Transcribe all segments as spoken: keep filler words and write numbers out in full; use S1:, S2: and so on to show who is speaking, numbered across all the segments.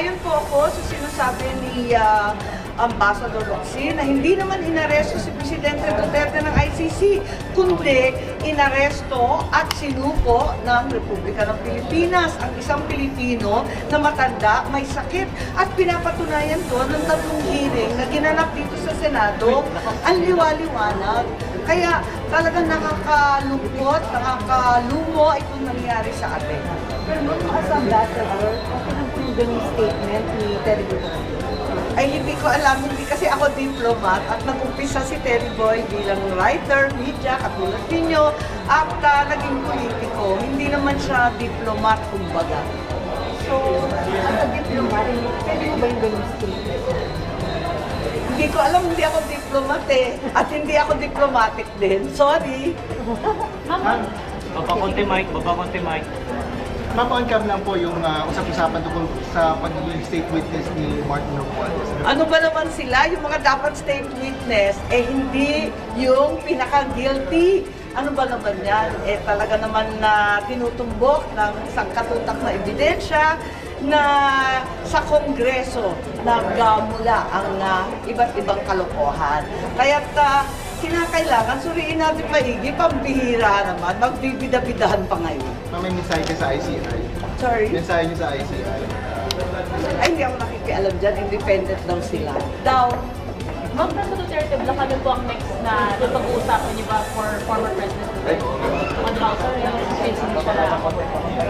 S1: Sang-ayon po ako sa sinasabi ni ah, Ambassador Roxy na hindi naman inaresto si Presidente Duterte ng I C C, kundi inaresto at sinuko ng Republika ng Pilipinas ang isang Pilipino na matanda, may sakit. At pinapatunayan ko ng tatlong hearing na ginanap dito sa Senado, ang liwaliwanag. Kaya talagang nakakalungkot, nakakalumo itong nangyari sa atin.
S2: Pero nung as ambassador, okay lang po yung ganyung statement ni Terry Duterte.
S1: Ay hindi ko alam, hindi kasi ako diplomat at nag-umpisa si Terry Boy bilang writer, media, katulad ninyo, at uh, naging politiko. Hindi naman siya diplomat, kumbaga.
S2: So, as a diplomat, pwede mo ba yung ganyung statement?
S1: Hindi ko alam, hindi ako diplomat eh. At hindi ako diplomatic din. Sorry.
S3: Ma'am, baba konti mic, baba konti mic.
S4: Ma'am, on-cam lang po yung uh, usap-usapan tungkol sa pagiging state witness ni Martin Romualdez.
S1: Ano ba naman sila? Yung mga dapat state witness, eh hindi yung pinaka-guilty. Ano ba naman yan? Eh talaga naman na tinutumbok ng isang katutak na ebidensya na sa Kongreso nagmula ang uh, iba't ibang kalokohan. Kaya't uh, kinakailangan suriin natin maigi, pambihira naman, magbibida-bidahan pa ngayon.
S4: Ma'am, may mensahe ka sa I C I.
S1: Sorry?
S4: Mensahe niyo sa I C I.
S1: Ay, hindi ako nakikialam dyan, independent daw sila. Daw,
S5: Ma'am, President Duterte, baka na po ang next na napag-uusapan niyo ba for former President Duterte? On House Arrest, since hindi siya na-ako.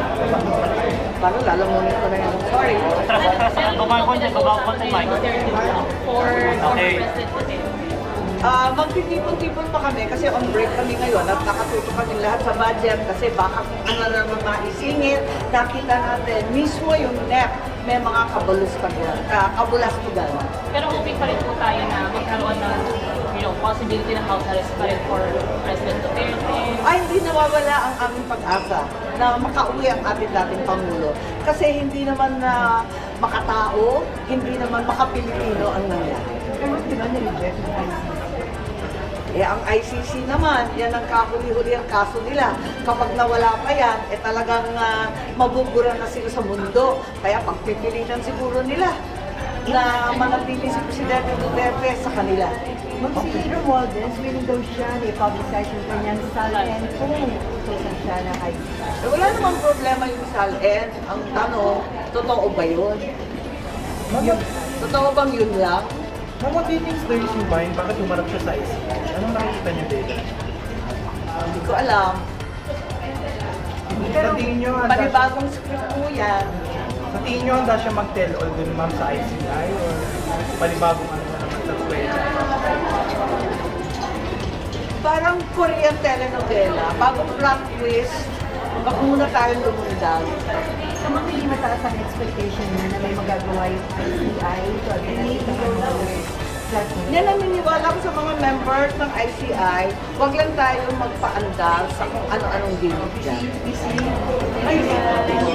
S1: parang lalamunin ko na yan. Sorry.
S3: Baba konti, baba konti mic.
S5: For former
S3: Okay.
S5: President Duterte.
S1: Ah, magtitipon-tipon pa kami kasi on break kami ngayon at nakatuto kami lahat sa budget kasi baka kung ano na naman maisingit, nakita natin mismo yung N E P may mga kabulustugan, uh, kabulastugan.
S5: Pero hoping pa rin po tayo na magkaroon ng you know, possibility ng house arrest pa rin for President Duterte.
S1: Ay, hindi nawawala ang aming pag-asa na makauwi ang ating dating Pangulo. Kasi hindi naman na makatao, hindi naman makapilipino ang nangyari.
S2: Pero di ba nireject ng I C C?
S1: Eh, ang I C C naman, yan ang kahuli-huli ang kaso nila. Kapag nawala pa yan, eh talagang uh, mabubura na sila sa mundo. Kaya pagpipilitan siguro nila na manatili si Presidente Duterte sa kanila.
S2: Mag si Romualdez, willing daw siya na i-publicize yung kanyang salin kung utusan siya ng I C C.
S1: Eh, wala namang problema yung salin. Ang tanong, totoo ba yun? Yun, totoo bang yun lang?
S6: Ma'am, what do you think is the reason behind bakit umarap siya sa I C I? Anong nakikita niyo dito?
S1: Hindi ko alam.
S6: Sa tingin niyo, handa siya,
S1: Panibagong script po yan.
S6: sa tingin niyo, handa siya mag-tell all dun ma'am sa I C I or panibagong ano na naman sa kwela?
S1: Parang Korean telenovela. Bagong plot twist, baka muna tayong lumundag.
S2: So, hindi mataas ang expectation niya na may magagawa yung I C I to address the flat
S1: Yan ang niniwala ko sa mga members ng I C I, huwag lang tayo magpaandar sa kung ano-anong gimmick dyan.
S2: Ay,